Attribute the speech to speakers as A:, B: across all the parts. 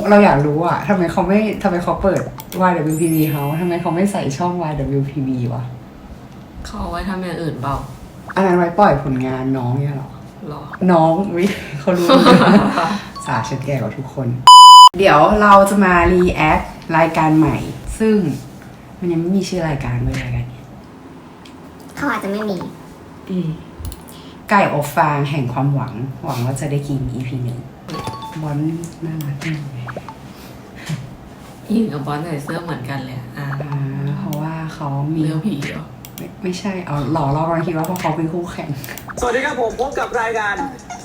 A: เราอยากรู้อะทำไมเขาเปิด YWPB เขาทำไมเขาไม่ใส่ช่อง YWPB วะ
B: เขาเอาไว้ทำอย่างอื่นเปล่า
A: อันนั้นไว้ปล่อยผลงานน้องเนี่ยหรอ
B: หรอ
A: น้องวิเขารู้ สาฉันแก่กว่าทุกคน เดี๋ยวเราจะมารีแอครายการใหม่ ซึ่งมันยังไม่มีชื่อรายการเลยรายการนี้
C: เขาอาจจะไม่มี
A: ไก่อบฟางแห่งความหวังว่าจะได้กิน EP หนึ่งบอลน่ารักมากเลย
B: หญิงกับบอลใส่เสื้อเหมือนกันเลยอ่ะ
A: เพราะว่าเขามี
B: เลี้ยวผีเหรอ
A: ไม่ใช่เอาหล่อเรากำลังคิดว่าเพราะเขาเป็นคู่แข่ง
D: สวัสดีครับผมพบกับรายการ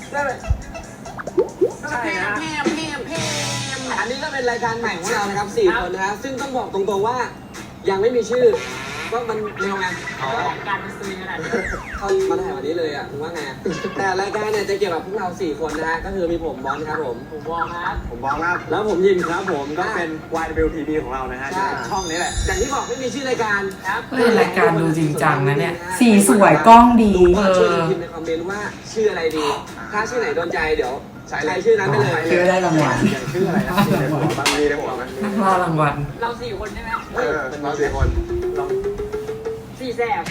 D: ใช่นะอันนี้ก็เป็นรายการใหม่ของเรานะครับ4 คนนะฮะซึ่งต้องบอกตรงๆว่ายังไม่มีชื่อว่ามันเร็วไงการมาซื้อขนาดนี้เขามาถ่ายวันนี้เลยอ่ะคุณว่าไงแต่รายการเนี่ยจะเกี่ยวกับพวกเรา4 คนนะฮะก็คือมีผมบอลครับผมบอลครับผมบอลครับแล้วผมยินครับผมก็เป็น YWPB ของเรานะฮะช่องนี้แหละอย่างที่บอกไม่มีชื่อรายการครับ
B: เฮ้ยรายการดูจริงจังนะเนี่ย
A: สีสวยกล้องดี
D: ช่วยพิมพ์ในคอมเมนต์ว่าชื่ออะไรดี ถ้าชื่อไหนโดนใจเดี๋ยวใช้ชื่อนั้นไปเลย
A: คือได้รางวัล
D: ชื่ออะไรนะในหัวบางมีในหัวมัน
B: นักล่ารางวัล
E: เรา4 คนใช่ไหม
D: เรา4 คนลอง
E: 4 แสบ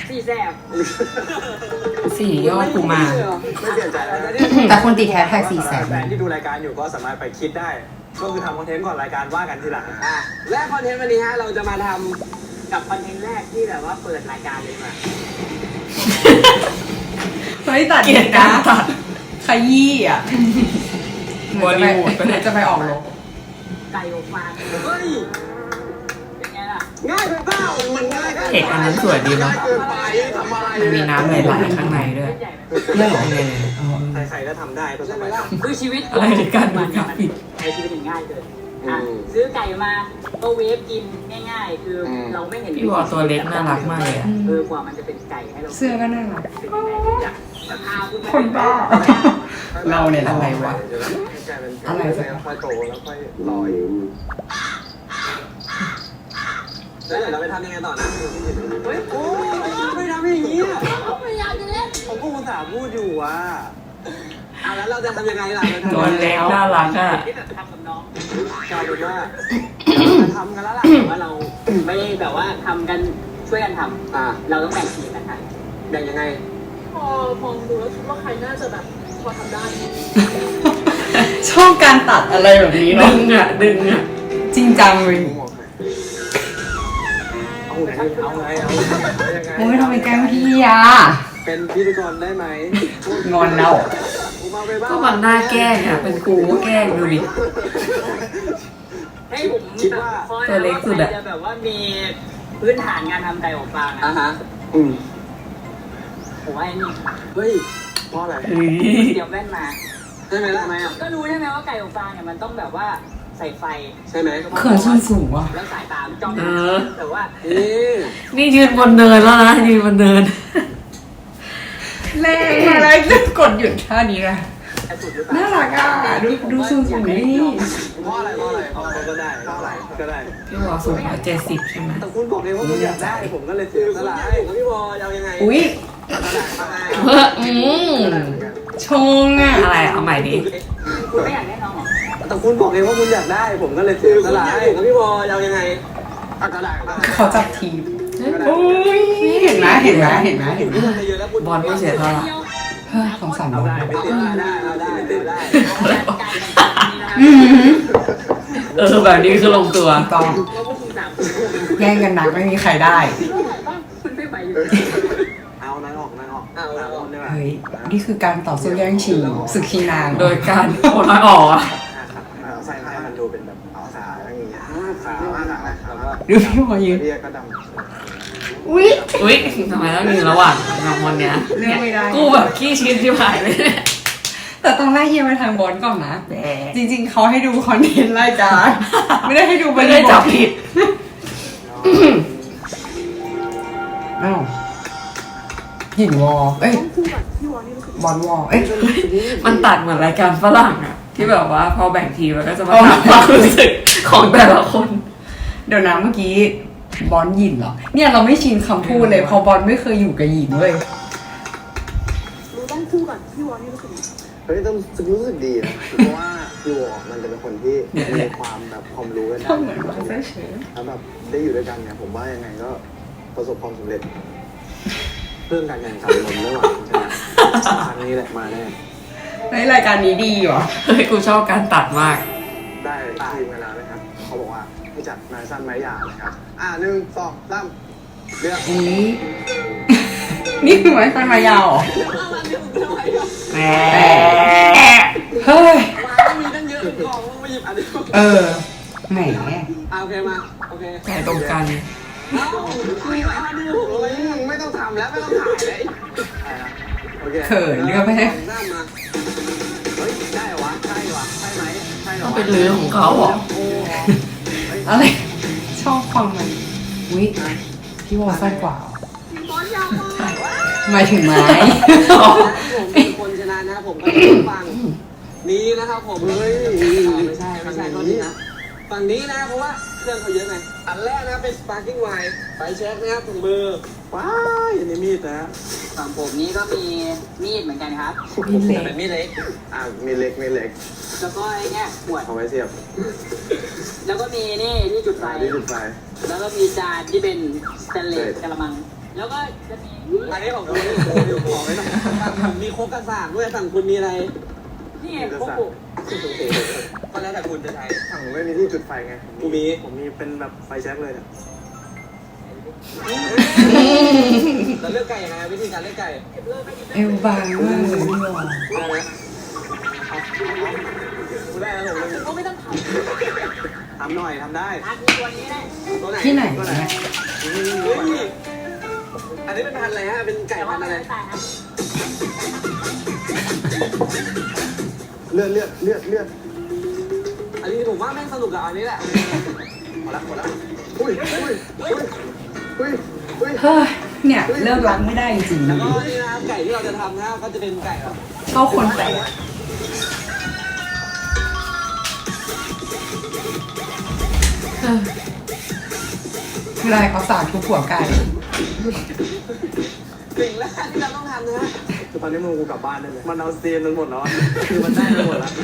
B: สี่ยอดกูมาร
D: ไม่เปลี่ยนใจแล้วนะ
A: แต่คนติดแฮชแท็ก400,000
D: แฟนที่ดูรายการอยู่ก็สามารถไปคิดได้ ก็คือทำคอนเทนต์ก่อนรายการว่ากันทีหลังและคอนเทนต์วันนี้ฮะเราจะมาท
E: กับคอนเทนต์แรกที่แบบว่าเปิดรายการเลยมา
A: เฮ้ยตัด
B: เกลียดการตัด
A: ขยี้อ่ะ
B: บอลลีวูดไปไหน
A: จะไปออกรบ
E: ไก่อบฟาง
D: ำเฮ้ย
E: เป็นไงล่ะ
D: ง่ายไปเปล่ามันง่าย
B: เอกอันนั้นสวยดีเนาะ
D: เกินไปทำอะไร
B: มันมีน้ำไหลๆข้างในด้วย
E: ใหญ่ไหม
A: เรื่องหรอ
B: ยังไง
D: ใครๆก็ทำได้ใช่ไหมล่ะ
E: คือชีวิต
B: อะไรในการดูกราฟิก
E: ใช้ชีวิตง่ายเกินอ่ะซื้อไก่มาก็เวฟกินง่ายๆ คือเราไม่เห็น
B: พี่วอตัวเล็กน่ารักมากเลยอ่ะ
E: กว่ามันจะเป็นไก่ให้เรา
A: เสื้อก็น่ารัก
E: เป็นยังไงอยากจะพาคุณไป
A: คนบ้า เราเนี่ย
B: อะไรวะ
A: อะไรสัก
D: ค่อยโตแล้วค่อยลอยแล้วเดี๋ยวเราไปทำยังไงต่อนะเฮ้ยโอ้ยไม่ทำอย่างนี้
E: พยายามจะเล่น
D: ผมก็อุตส่าห์พูดอยู่ว่าแล้วเราจะทำยังไงล่ะ
B: ตัวเล็กน่ารักอ่ะ
E: ที่แบบทำกับน้อง
D: กลายเป็นว่าจะทำกันแล้วล่ะ
E: แต่ว่าเราไม่ได้แบบว่าทำกันช่วยกันทำเราต้องแบ่งทีมกันทำ
D: แบ่งยังไง
F: พอมองดูแล้วคิดว่าใครน่าจะแบบพอทำได้
A: ชอบการตัดอะไรแบบนี้
B: ดึ
A: เนาะ
B: งอ่ะ ดึงอ่ะ
A: จริงจังเลย
D: เอาไงเอาไงเอายังไง
A: โอ้ยทำไมแกล้งพี่อ่ะ
D: เป็นพิธีกรได้ไหม
A: งอนแล้ว
B: ก็มันน่าแกล้งอ่ะ เป็นกูก็แกล้งดูดิ
E: ให้ผม
D: คิดว่า
B: ตัวเล็กสุดอะ
E: จะแบบว่ามีพื้นฐานงานทำไก่อบฟาง
D: ฮะอืม
E: ผมว่าไอ้นี่
D: เฮ้ยเพราะอะไร
B: เฮ้ย
E: เตรียมแว่นมา
D: ใช่ไหมล่ะ
E: ทำไมอ่ะก็รู้ใช่ไหมว่าไก่อบฟางเนี่ยมันต้องแบบว่าใส่ไฟ
D: ใช่ไหม
A: เขินส้นสูงว่ะ
E: แล้วสายตามนจ้อง
B: เออ
E: แต่ว่า
D: นี่
B: นี่ยืนบนเนินแล้วนะ ยืนบนเนิน
A: แรงอะไรจะกดหยุดท่านี้อะ
E: จะสุดหรือเปล่า
A: น่ารักอ่ะ ดูสูงสูงนี่
D: เพราะอะไรเพราะอะไรเพราะอะไรก็ได้เพราะอะไรก็ได้
B: พี่วอสูง170ใช่ไหม
D: แต่คุณบอกเองว่าคุณอยากได้ผมก็เลยซื้อตลาดให้พี่บอลเอายังไง
A: อุ้ยชงอ่ะ
B: อะไรเอาใหม่ดิ
E: คุณไม่อยากได้น้องเหรอ
D: แต่คุณบอกเองว่าคุณอยากได้ผมก็เลยซื้อตลาดให้พี่บอลเอายังไงก็ได้
A: เขาจับทีมอุ้ยเห็นไหมเห็นไหมเห็นไหมเห็นไหม
B: บอลก็เสียเท่าไหร่
A: เฮ้ยสงสารบ
D: เอา
A: อล
D: ได้ไม่ติดได้เอาได้ไม่ติดได้
E: ไก่นี่นะ
A: อืม
B: แบบนี้คือลงตัว
A: ต้อง
E: แล้วพวกคุณสามคน
A: แย่งกันนักไม่มีใครได้
E: คุณไม่ไปอยู่
D: เอานางออกเอานางออกได้ไหม
A: เฮ้ย นี่คือการต่อสู้แย่งชิงศึกชิงนาง
B: โดยการโอนน้อยออกอ่ะ
D: ใส่ให้มันดูเป็นแบบเอาสาอย่างเงี้ยสาแล้วก็
A: ดูพี่พอยืน
D: เรียกก็ดำ
A: อุ้ย
B: อุ๊ยทำไมต้องยืนระหว่างสองคนเนี้ย
A: เลือกไม่ได้
B: กูแบบขี้ชินที่หายเลย
A: แต่ต้องไล่เฮียไปทางบอลก่อนนะ จริงๆ เขาให้ดูคอนเทนต์รายการไม่ได้ให้ดู
B: ไม่ได้จับผิด
A: อ้าวหินวอลเอ้ย
F: คู่กับพี่วอนี่รู้สึก
A: บอลวอลเอ้ย
B: มันตัดเหมือนรายการฝรั่งอ่ะ ที่แบบว่าพอแบ่งทีมแล้วก็จะมาถามความรู้สึกของแต่ละคน
A: เดี๋ยวนะเมื่อกี้บอลหยินเหรอ เนี่ยเราไม่ชินคำพูดเลยเพอบอลไม่เคยอยู่กับหยินเว้ย
F: รู้ต้องคู่กับพี่วอนี่รู้สึก
D: เฮ้ยต้องรู้สึกดีนะเพราะว่า
G: พี่วอมันจะเป็นคนที่มีความแบบความรู้กันได้
A: ก็เหมือนว่าเฉย
G: แล้วแบบได้อยู่ด้วยกันเนี่ยผมว่ายังไงก็ประสบความสำเร็จเรื่องการแข่งขันผมไม่หวังใช่ไหมครั้งนี้แหละมาแน่
A: ในรายการนี้ดีว่ะ
B: เฮ้ยกูชอบการตัดมาก
G: ได้ทีมกันแล้วนะครับเขาบอกว่าให้จัดนายสั้นไม้ยาวนะครับ1 2 3เลือก
A: นี่นี่คือไม้สั้นไม้ยาวเหรอแหมเฮ้ย
D: มามีตั้งเยอะกล่องมาหยิบอันนี้
A: เออแหม
D: โอเคมาโอเค
B: ใจตรงกัน
D: เอ้ามีมาดู
G: โอ้ยไม่ต้องทำแล้วไม่ต้องถ่ายเลยโอเค
A: เขินเลือกไม่ได้
D: หน้ามา
G: เฮ้ยได้เหรอวะใช่วะใช่ไหมใช่เหรอ
B: ต้อง
G: วะ
B: เป็นเรื่องของเขาเหรอ
G: โอ้
A: อะไร ชอบความมันอุ้ยพี่วอสั้นกว่าเหรอหมายถึงไม้
D: ผมเป็นคนชนะนะผมก็ต้องฟังนี้นะครับผมเฮ้ยไม่ใช่โทษทีนะฝั่งนี้นะเพราะว่าเครื่องเขาเยอะไงอันแรกนะเป็น sparking wine ไฟแช็คนะครับถุงมือ
G: ว้ายอันนี้มีดนะ
E: ฝั่งผมนี้ก็มีมีดเหมือนกันครับ
A: มีเล็
D: แต่
A: ก
D: เป็นมีดเล็ก
G: มีเล็กมีเล็ก
E: แล้วก็ไอ้เนี่ยขวด
G: เอาไว้เสียบ
E: แล้วก็มีนี่ที่จุดไฟ
G: ที่จุดไฟ
E: แล้วก็มีจานที่เป็นสแตนเลสกระมัง แล้วก็จะมี
D: อันนี้ของคุณอยู่ขอไว้หน่อยผมมีโคกกระสากด้วยฝั่งคุณมีอะไร
E: นี่ไงพวกกู
D: ก็แล้วแต่คุณจะใช้
G: ถังไม่มีที่จุดไฟไง
D: กูมี
G: ผมมีเป็นแบบไฟแช็กเลยเนี่ย
D: เราเลือกไก่ยังไงวิธีการเลือกไก่
A: เอวบางมากเลยพี่วอ
D: อะไรนะกูได้แล้วผมเลย
E: ก็ไม่ต้องท
G: ทำหน่อยทำได้
E: ำทานตัวนี้ได้
D: ตัวไหน
A: ที่ไหน
G: ตัวไหน
A: เนี่ย
D: เฮ้ยอันนี้เป็นพันธุ์อะไรฮะเป็นไก่
E: แต่
D: พั
E: ว่าน
D: ธุ์
E: ไม่
D: อะไร
E: ได้ตายครับ
G: เลือด
D: อันนี้ผมว่าแม่งสนุกกับอันนี้แหละ
G: หมดละอุ้ย
A: เฮ้ยเนี่ยเลิกรักไม่ได้จริง
D: แล้วก็นี่นะครับไก่ที่เราจะทำนะก็จะเป็นไก่แบบ
A: ๆเข้าคนแปลกคืออะไรเขาสาดทุกหัวไก่
D: สิ่งแรกที่เราต้องทำนะฮะ
G: คือตอนนี้มึงกูกลับบ้านได้เลยมันเอาซีนมันหมดแล้วอะคือมันได้ไปหมดแล้ว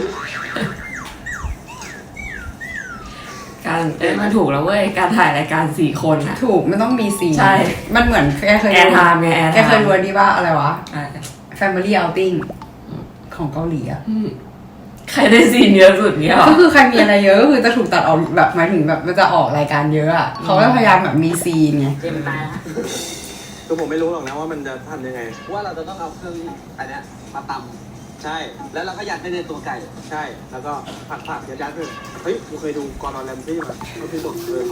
B: การมันถูกแล้วเว้ย การถ่ายรายการ4 คนอะ
A: ถูกมันต้องมีซีน
B: ใช่
A: มันเหมือนแกเคย
B: แอร์ไทม์ไงแอร์ไทม์
A: แกเคยรู้อันนี้ว่าอะไรวะ
B: อ่ะ
A: Family Outing ของเกาหลีอะ
B: ใครได้ซีนเยอะสุดเนี้ยเหรอ
A: ก็คือใครมีอะไรเยอะก็คือจะถูกตัดออกแบบหมายถึงแบบมันจะออกรายการเยอะอะเขาก็พยายามแบบมีซีนไง
E: เจมส์ตายแล้ว
G: คือผมไม่รู้หรอกนะว่ามันจะทำยังไง
D: ว่าเราจะต้องเอาเครื่องอันเนี้ยมาต
G: ใช่
D: ำแล้วเราก็ยัดไปในตัวไก่
G: ใช่ แล้วก็ผักยัดๆเลยเฮ้ยกูเคยดูกอร์ดอนแรมซี่มาเขาคือบอกเขา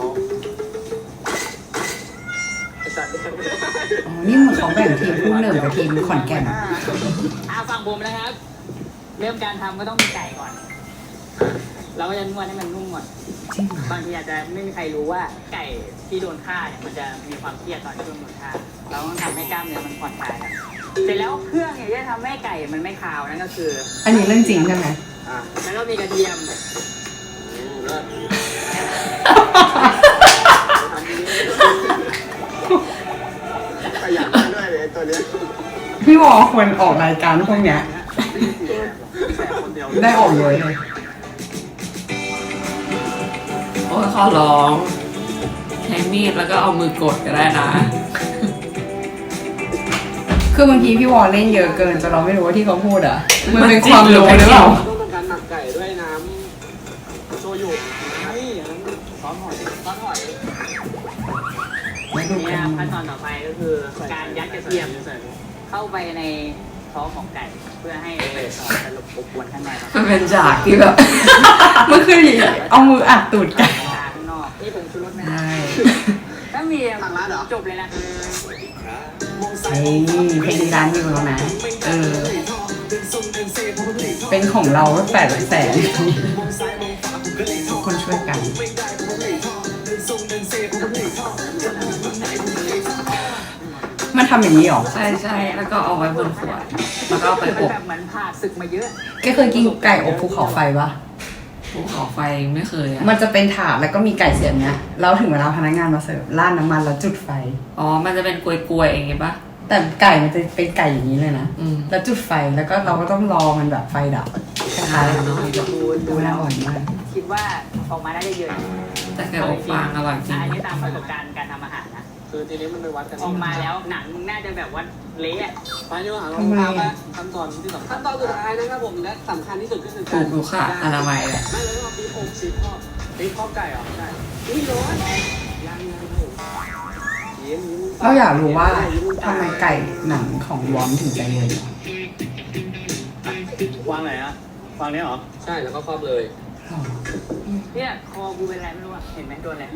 A: อ๋อ นี่เหมือนเขาแบ่งทีมผู้หนึ่งกับทีมขอนแก่น
E: ฝั่งผมนะครับ เริ่มการทำก็ต้องมีไก่ก่อน เราก็จะนวดให้มันนุ่มก่อน
A: จริงเหรอบ
E: างทีอาจจะไม่มีใครรู้ว่าไก่ที่โดนฆ่าเนี่ยมันจะมีความเครียดตอนที่โดนฆ่า เราต้องทำให้กล้ามเนื้อมันผ่อนคลายครับเสร็จแล้วเครื่องเนี่ยจะทำให้ไก่มันไม่คาวนั่นก็คือ
A: อันนี้เรื่องจริงใช่ไหม
E: แล้วก็มีกระเทียม
G: ขยันด้วยเลยตัวเนี้ย
A: พี่วอควรออกรายการพวกเนี้ย
G: แสบคนเดียว
A: ได้ออกเลยเลย
B: โอ้ยขอร้องใช้มีดแล้วก็เอามือกดก็ได้นะ
A: คือบางทีพี่วอเล่นเยอะเกินจนเราไม่รู้ว่าที่เขาพูดอ่ะ มันเป็นความรู้หรือเปล่า
D: ต้องทำการหมักไก่ด้วยน้ำโชยุไม่อันนั้นซอสหอย
E: ซอสหอย
A: ไม่ดู
E: เนี่
A: กั
E: ย
A: น
E: ขั้นตอนต่อไปก็คือการยัดกระเทียมเข้าไปในท้องของไก่ เพื่อให้สรุปอบอวนข้างในครับ
B: มันเป็นฉากที่แบบ
A: มันคือเอามืออัดตูดไก่
E: ตาข้างนอกนี่ผงชูรสนะ
A: ใช่
E: ถ้ามีจบเลยนะ
A: ไอ้เพลงดังอยู่แล้วนะ
B: เออ
A: เป็นของเรา800,000,000ทุกคนช่วยกัน มันทำอย่างนี้หรอ
B: ใช่ใช่แล้วก็เอาไว้บนขวด แล้วก็เอาไปอบ
E: แบบเหมือนผ่าศึกมาเยอะ
A: แกเคยกินไก่อบภูเขาไฟปะ
B: ภูเขาไฟไม่เคยอ่ะ
A: มันจะเป็นถาดแล้วก็มีไก่เสียบเนี้ยแล้วถึงเวลาพนักงานมาเสิร์ฟราดน้ำมันแล้วจุดไฟ
B: อ๋อ มันจะเป็นกลวยๆอย่างงี้ปะ
A: แต่ไก่มันจะเป็นไก่อย่างนี้เลยนะ
B: อืม
A: แล้วจุดไฟแล้วก็เราก็ต้องรอมันแบบไฟดับไก่ทาน
B: น้อยจะพูด
A: ดูน่าอร่อยมาก
E: คิดว่าออกมาได้เยอะ
B: แต่แกอบฟางอร่อยจริง
E: อันนี้ตามประสบการณ์การทำอาหารนะ
D: คือทีนี้มันไปวัดกัน
E: ออกมาแล้วหนังมึงน่าจะแบบว่าเละอะ
D: ไปดีกว่าเราทำขั้นตอนที่สำคัญขั้นตอนสุดท้ายนะครับผมและสำคัญที่สุดก็คือ
B: ถูกดูค่ะอนามัยแหละ
D: ไม่เลยว่าปีอกสีข้อปีข้อไก่เหรอใช่อุ้ยร้อนยังครับผมยิ้ม
A: เราอยากรู้ว่าทำไมไก่หนังของวอมถึงใจเย็น
H: วางไหนอะวางนี้เหรอ
D: ใช่แล้วก็ครอบเลย
A: หรอ
E: เนี่ยคอกูเป็นอะไรไม่รู้อะเห็นไหมโดนอะไร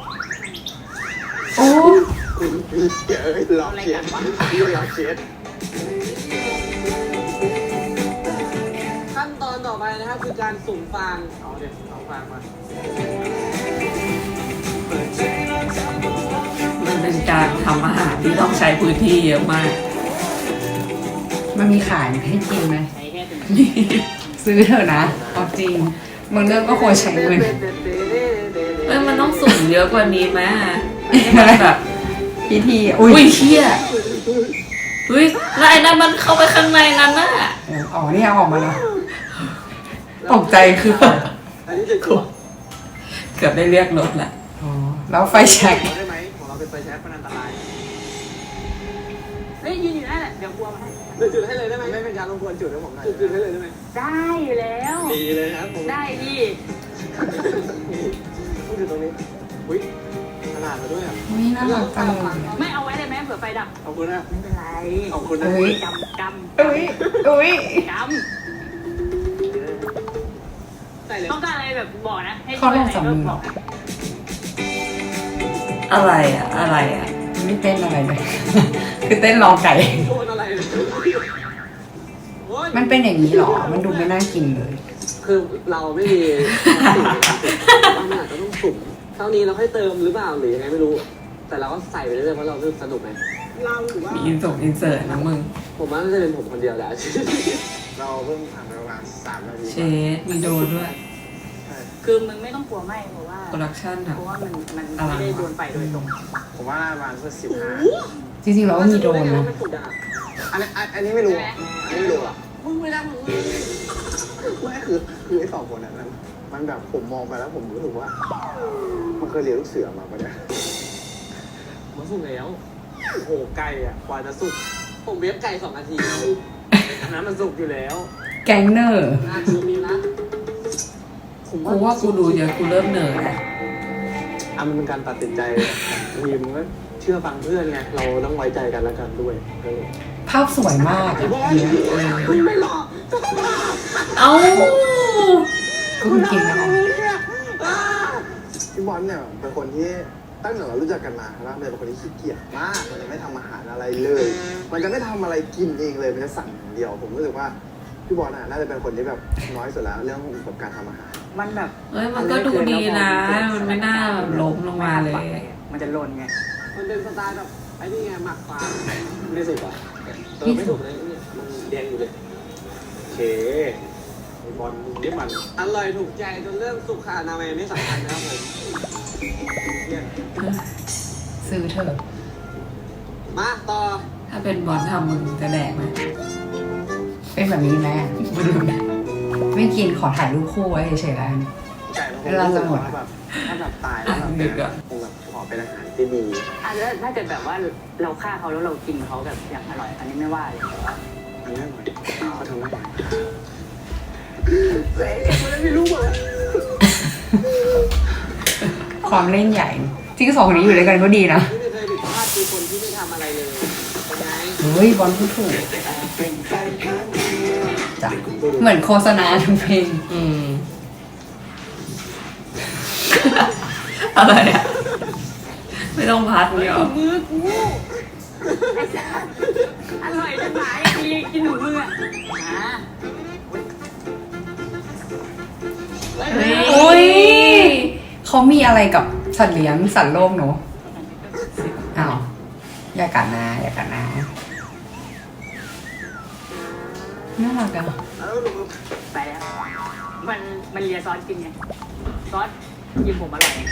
A: โอ้
G: เดี๋ยวหลอกเชียร์พี่หลอกเชียร์
D: ขั้นตอนต่อไปนะครับคือการสุ่มฟางเอาเด็ดเอาฟางมา
B: มันเป็นการทำอาหารที่ต้องใช้พื้นที่เยอะมาก
A: มันมีขายให้กินไหม
E: ใช้แค่ถึง
A: ซื้อเถอะนะเอาจริงบางเรื่องก็ควรใช้เงิน
B: มันต้องสุ่มเยอะกว่านี้ไหมให้มันแบบ
A: พิธี
B: อุ้ยเชี่ยอุ้ยแล้วไอ้นั่นมันเข้าไปข้างในนั้นน่ะ
A: อ๋อนี่เอาออกมาแล้วตกใจคือ
D: อันนี้จะกลัว
B: เกือบได้เรียกรถแหละ
A: อ๋อแล้วไฟแช็ก
D: ได้ไหมของเราเป็นไฟแช็กมันอันตราย
E: เฮ้ยยืนอยู่นั่นแหละเดี๋ยวกลัวมาให้
D: จุดให้เลยได้ไหมไม่เป็นการรบกวนจุดให้ผมหน่อยจุดให้เลยได้ไหม
E: ได้อยู่แล้ว
D: ดีเลยครับผม
E: ได้ดิ
D: ต้องอยู่ตรงนี้อุ้ยขนาดมาด้วยอ่ะ
A: อุ้ยน่ารักจังเลย
E: ไม่เอาไว้ได้ไหมเผื่อไฟดับ
D: ขอบคุณนะ
E: ไม่เป็นไร
D: ขอบคุณนะ
A: อุ้ย
E: กำ
A: อุ้ยอุ้ย
D: ใส่เลย
E: ต้องการอะไรแบบบอกนะ ให้
A: เขาลงจับมือเหรอ
B: อะไรอ่ะอะไรอ่ะ
A: ไม่เต้นอะไรเลย คือเต้นรอไก่
D: โดนอะไรเลยโอ๊ย
A: มันเป็นอย่างนี้เหรอ มันดูไม่น่ากินเลย
D: คือเราไม่มีสิ่งในการสุ่มว่ามันอาจจะต้องสุ่มเท่านี้เราค่อยเติมหรือเปล่าหรือยังไงไม่รู้ แต่เราก็ใส่ไปเรื่อยๆเพราะเรารู้สึกสนุกไงเราหรือว่า
B: มีอินเสิร์ตนะมึง
D: ผมว่าน่าจะเป็นผมคนเดียวแหละ
G: เราเพิ่งผ่านไปประมาณ3 นาที
B: เชฟมีโดนด้วย
E: คือมึงไม่ต้องกลัวไหมเพราะว่า
B: โปรดักชั่นอ่ะ
E: เพราะว่ามันไม่ได้โดนไฟโดยตรง
G: ผมว่าประมาณสัก15
A: จริงๆเราก็มีโดรนนะ
G: อันนี้ไม่รู้อันนี้ไม่รู้หรอ
D: มึงไม่ได้มึง
G: ไม่คือไอ้2 คนนั้นมันแบบผมมองไปแล้วผมรู้สึกว่า มันเคยเรียนลูกเสือมาปะเนี่ย
D: มันสุกแล้วโอ้โหไก่อ่ะกว่าจะสุกผมเวฟไก่2 นาทีอันนั้นมันสุกอยู่แล้ว
A: แกงเนอร์
D: คือมีนะ
B: กูว่ากูดูเยอะกูเริ่มเหนื่อยแล้ว
G: มันเป็นการตัดสินใจทีมก็เชื่อฟังเพื่อนไงเราต้องไว้ใจกันแล้วกันด้วยก็เลย
A: ภาพสวยมากอะเนี่ย
D: มึงไม่หลอก
B: เอ้า
A: ก็คือกินไม่ได้
G: พี่บอลเนี่ยเป็นคนที่ตั้งแต่เรารู้จักกันมาแล้วมันเป็นคนที่ขี้เกียจมากมันจะไม่ทำอาหารอะไรเลย มันจะไม่ทำอะไรกินเองเลยมันจะสั่งอย่างเดียว ผมรู้สึกว่าพี่บอลน่าจะเป็นคนที่แบบน้อยสุดแล้วเรื่องแบบการทำอาหาร
E: มันแบบ
B: เฮ้ยมันก็ดูดีนะ มันไม่น่าแบบล้มลงมาเลย
E: มันจะหล่นไง
D: มันเป็นสไตล์แบบไอ้นี่ไงหมักปลาไม่สุกอ่ะไม่สุกเลยเนี่ยมันแดงอยู่เลย
G: โอเคไอ้บอลมึงนี่มัน
D: อร่อยถูกใจจนเรื่องสุขอนามัยไม่สำคัญนะครับผมเนี่ย
A: ซื้อเถอะ
D: มาต่อ
B: ถ้าเป็นบอลทำมึงจะแดกไหม
A: เป็นแบบนี้ไหมอะไม่กินขอถ่ายรูปคู่ไว้เฉยๆแล้วกัน
G: ไก่มันคง
A: เวลาจะหมด
G: แบบถ้าแบบตายแล้วแบบเนี่ยคงแบบขอเป็นอาหารที่ดี
E: แล้วถ้าเกิดแบบว่าเราฆ่าเขาแล้วเรากินเขาแบบอย่างอร่อย อันนี้ไม่ว่าเลยแต่ว่า
G: อันนี้อร่อยเขาทำได้ไหม
A: ความเล่นใหญ่ จริงๆ2 คนนี้อยู่ด้วยกันก็ดีนะ
D: ที่ไม่เคยผิดพลาดคือคนที่ไม่ทำอะไรเลยเป็นไง
A: เฮ้ยบอลพูดถูกจ้ะเหมือนโฆษณาทุกเพลง
B: อืม อะไรอ่ะ ไม่ต้องพัดเนี่ยหรอ
E: มือกูไอ้สัสอร่อยจะหายกินหนูมืออ่ะ
A: อุ้ยเขามีอะไรกับสัตว์เลี้ยงสัตว์โลกเนอะอ้าวอย่ากัดนะอย่ากัดนะน่ารักอะ
E: ไปแล้ว มันเลียซอสกินไง ซอสกินผมอร่อยไง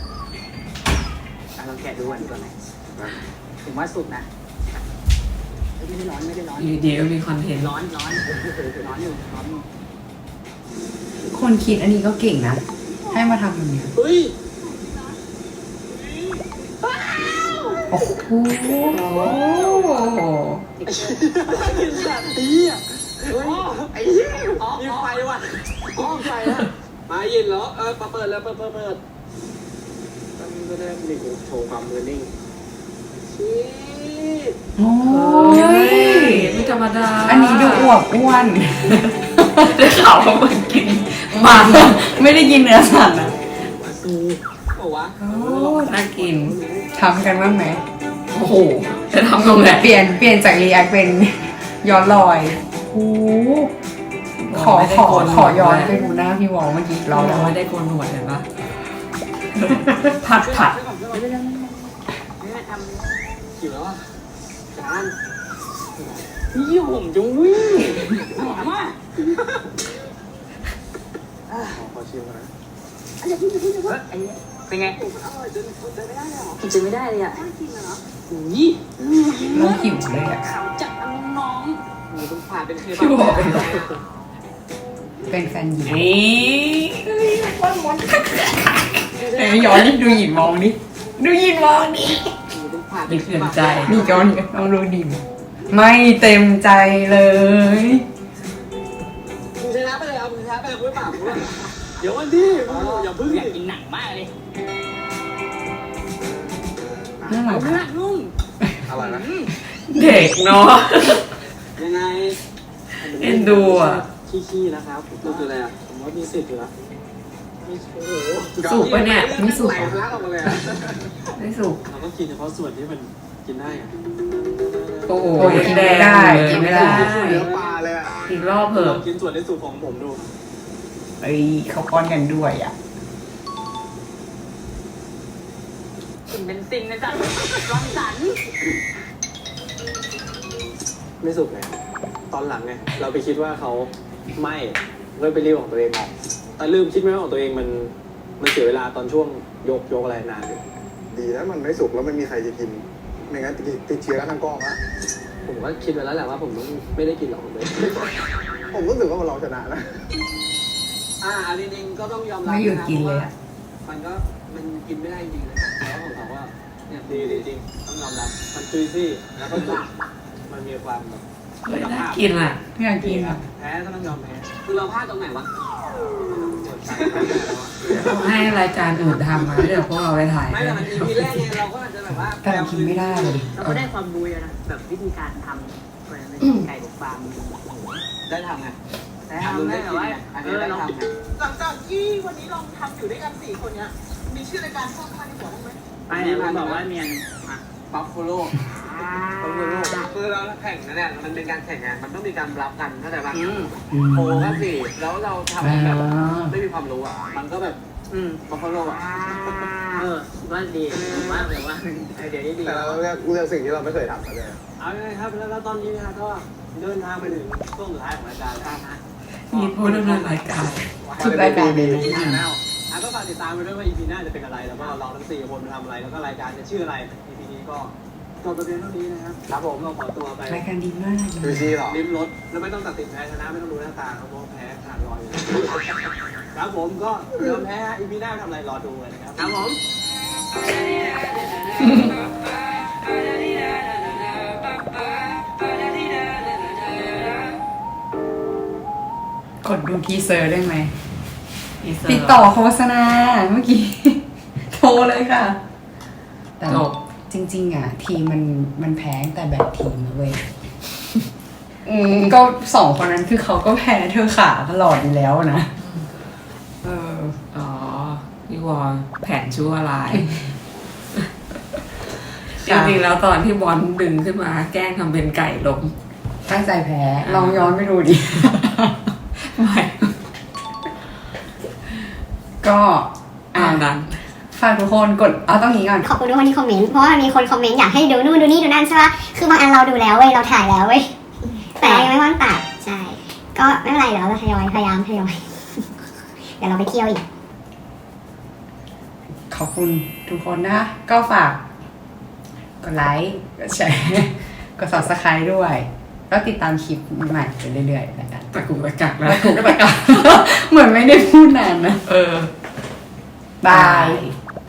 E: ลองแกะดูก่อนดีกว่าไหมถึงว่าสุกนะไม่ได้ร้อนไม่ได้ร้อน
B: อยู่ดีก็มีคอนเทนต์
E: ร้อนร้อนร้อนอยู่ร้อนอยู่
A: คนคิดอันนี้ก็เก่งนะ ให้มาทำแบบนี้
D: เฮ้ย
A: โอ้โห
D: กินแบบนี้อ่ะเฮ้ยไอ้เหี้ยมีไฟว่ะมีไฟอ่ะมายินเหรอเปิดแล้วเปิดมันก็ได้หนึ่งโชว์ความมือนิ่งชีส
A: โอ้
B: เฮ้
A: ย
B: ยไม่ธรรมดา
A: อันนี้ดูอวบอ้วน
B: ได้ข่าวว่ามันกินมัน
A: ไม่ได้กินเนื้อสัตว์นะ
D: มาซูบอกว่า
B: โอ้น่ากิน
A: ทำกันบ้างไหม
B: โอ้โห จะทำตรงไหน
A: เปลี่ยนจากรีแอคเป็นย้อนรอยโอ้ขอย้อนไปดูหน้าพี่วอลเมื่อกี้อีกรอบ
B: เรา
A: แล้ว
B: ไม่ได้โกนหนวดเห็นปะผัด
E: ไม่ได้ทำ
D: หิวแล้วอ่ะจาน
E: นี่ผมจะวิ่งหอมมาก
G: ขอชิมก่อนนะ
E: ไอ้เป็นไง
D: อร่อยจนอดใจไม่ได้เลยเหรอ
E: กินไม่ได้เลยอ่ะ
D: ไม่กินเหรอ
E: นี่
A: เราหิวเลยอ่ะ
E: ขาวจัดน้อง
D: หมูต้องผ่านเป็นเคบับ
B: พี่บอกเป็น
A: เป็นแฟนหญิง
B: นี่
A: เอ้ยย้อนนี่ดูหยินมองดิดูหยินมองดิ
D: หมูต้องผ่าน
B: มีเขื่อนใจ
A: นี่ย้อนลองดูดิไม่เต็มใจเลย
D: มึงชนะไปเลยเอามึงชนะไปเลยกูไม่ปากมึงเลยเดี๋ยววันที่อย่าพึ่ง
E: อยากกินหนังมากเลย
A: น่ารัก
E: เนื้อนุ่ม
G: อร่อยนะ
B: เด็กเนาะ
D: ยังไง
B: เอ็นดูอ่ะ
D: ขี้ๆนะครับดูคืออะไรอ่ะผมว่ามีสิทธิ์อยู่แล้วโอ้โห
B: สุกปะเนี่ย
A: ไม่สุก
D: ไหล
A: เหรอ
D: ทะลักออกมาเลยอะ
B: ไม่สุก
D: เราต้องกินเฉพาะส่วนที่มันกินได้อะ
B: โอ้โห
A: โอ้ยกินไม่ได้กินไม่ได้
G: เนื้อปลาเลยอ่ะ
B: อีกรอบเถ
D: ล
B: อะ
D: องกินส่วนในสุกของผมดู
A: เอ้ยเขาป้อนกันด้วยอ่ะ
E: กินเป็นซิงนะจ๊ะรังสรรค์
D: ไม่สุกไงตอนหลังไงเราไปคิดว่าเขาไม่เลยไปรีบของตัวเองออกแต่ลืมคิดไหมว่าของตัวเองมันเสียเวลาตอนช่วงยกอะไรนานอยู่
G: ดีนะมันไม่สุกแล้วไม่มีใครจะกิน ไม่งั้นติดเชื้อกันทั้งกล้องอะ
D: ผมก็คิดไว้แล้วแหละว่าผมต้องไม่ได้กินหรอกผมเลย
G: ผมรู้สึกว่าเราชนะนะ
D: อันนี้จริงก็ต้องยอมรับ
A: ไม่หยุด
D: ะครับ
A: กินเลยอะ
D: มันกินไม่ได้จริงเลยแล้วของเขาว่าเนี่ยดีจริงต้องยอมรับมันจุยซี่แล้วก็มันมีความแบบ
B: เฮ้ยน่ากินอ่ะ
A: ไม่อยากกินอ่ะ
D: แพ้ก็ต้องยอมแพ้คือเราพลาดตรงไหนวะ
B: ให้รายการอื่นทำมาเดี๋ยวพวกเราไปถ่าย
D: ไม่แต่มัน EP แรกไงเราก็อาจจะแบบว่า
A: แต่เรากินไม่ได้เลย
E: เราก็ได้ความรู้เยอะนะแบบวิธีการทำไก่อบฟาง
D: ได้ทำไง
E: แต่ทำได้แบบว่า
D: อันนี้ได้ทำไง
F: หลังจากที่วันนี้ลองทำอยู่ด้วยกัน4คนเนี้ย มีชื่อรายการเข้ามาในหัวบ้างไหม
E: ไปเนี่ยมันบอกว่าเมียน
D: บัฟฟาโล่คือเราแข่งนะเนี่ยมันเป็นการแข่งงานมันต้องมีการรับกันเข้าใจป่ะโอ้ก็สิแล้วเราทำแบบไม่มีความรู้อ่ะมันก็แบบบัฟฟาโล่อ่ะ
E: ว่าดีว่าแบบว่าไอเดียนี้ดี
G: แต่เราเลือกสิ่งที่เราไม่เคยทำมาเลย
D: เอาเลยครับแล้วตอนนี้นะก็เดินทางไปถึงช่วงสุดท้ายของรายการแล้วนะ
B: มีผู้ดำเนินรายการ
A: ทุกรายการเลย
D: แล้วก็ฝากติดตามไปด้วยว่า EP หน้าจะเป็นอะไรแล้วก็เราทั้ง4คนทำอะไรแล้วก็รายการจะชื่ออะไร EP นี้ก็จบประเด็นเท่านี้นะครับครับผมเราขอตัวไป
A: รายการดีมาก
G: ดูซีหรอ
D: ลิ้มรสแล้วไม่ต้องตัดสินแพ้ชนะไม่ต้องดูหน้าตาครับเพราะแพ้ขาดลอยอยู่ครับผมก็ยอมแพ้ EP หน้าทำอะไรรอดูเลยนะครับครับผม
A: กดดูทีเซอร์ได้ไหม
B: อีเซอร์
A: ติดต่อโฆษณาเมื่อกี้ โทรเลยค่ะ แต่
B: จบ
A: จริง ๆ อ่ะ ทีมมันแพ้ตั้งแต่แบบทีมนะเว้ยก็สองคนนั้นคือเขาก็แพ้เธอขาตลอดอยู่แล้วนะ
B: อ๋อพี่วอลแผนชั่วร้าย จ
A: ค่ะ
B: ริงๆแล้วตอนที่บอลดึงขึ้นมาแกล้งทำเป็นไก่ล้ม
A: ตั้งใจแพ้ ลองย้อนไปดูดิ
B: ไม่
A: ก็
B: อ่านนั้น
A: ฝากทุกคนกดเอาต้องนี้ก่อน
C: ขอบคุณทุกคนที่คอมเมนต์เพราะว่ามีคนคอมเมนต์อยากให้ดูนู่นดูนี่ดูนั่นใช่ปะคือบางอันเราดูแล้วเว้ยเราถ่ายแล้วเว้ยแต่ยังไม่ว่างตัดใช่ก็ไม่เป็นไรเดี๋ยวเราพยายาม เดี๋ยวเราไปเที่ยวอีก
A: ขอบคุณทุกคนนะ ก็ฝากกดไลค์ กดแชร์กด subscribe ด้วยแล้วติดตามคลิปใหม่ไปเรื่อยๆแล้วกัน
B: ตะกุกตะกักแล้ว
A: แล้วถูกตะกักเหมือนไม่ได้พูดนานนะ
B: เออ
A: บาย